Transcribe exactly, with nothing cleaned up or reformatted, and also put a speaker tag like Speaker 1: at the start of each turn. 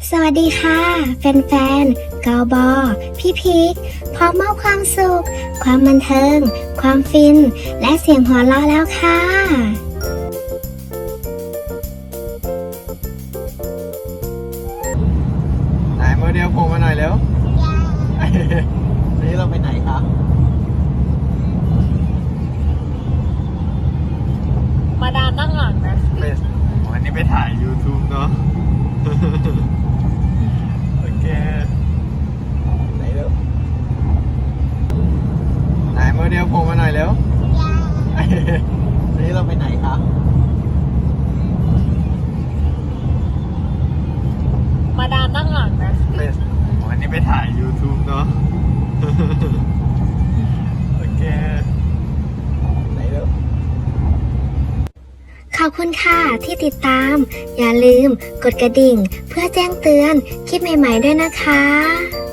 Speaker 1: สวัสดีค่ะแฟนๆกอบอพี่พีคพร้อมมอบความสุข ความบันเทิง ความฟิน และเสียงหัวเราะแล้วค่ะ
Speaker 2: ไหนโมเดลโผล่มาหน่อยเร็วนี่เราไปไหนคะ
Speaker 3: มาดามนั่งหลังนะ
Speaker 2: ไปวันนี้ไปถ่าย YouTube เนาะ โอเคไหนเร็วไหนโมเดลโผล่มาหน่อยเร็วนี่เราไปไหนคะ
Speaker 3: มาดามนั่งหลังนะ
Speaker 2: ไปวันนี้ไปถ่าย YouTube เนาะ โอเคไหนเร็ว
Speaker 1: ขอบคุณค่ะที่ติดตาม อย่าลืมกดกระดิ่งเพื่อแจ้งเตือนคลิปใหม่ๆด้วยนะคะ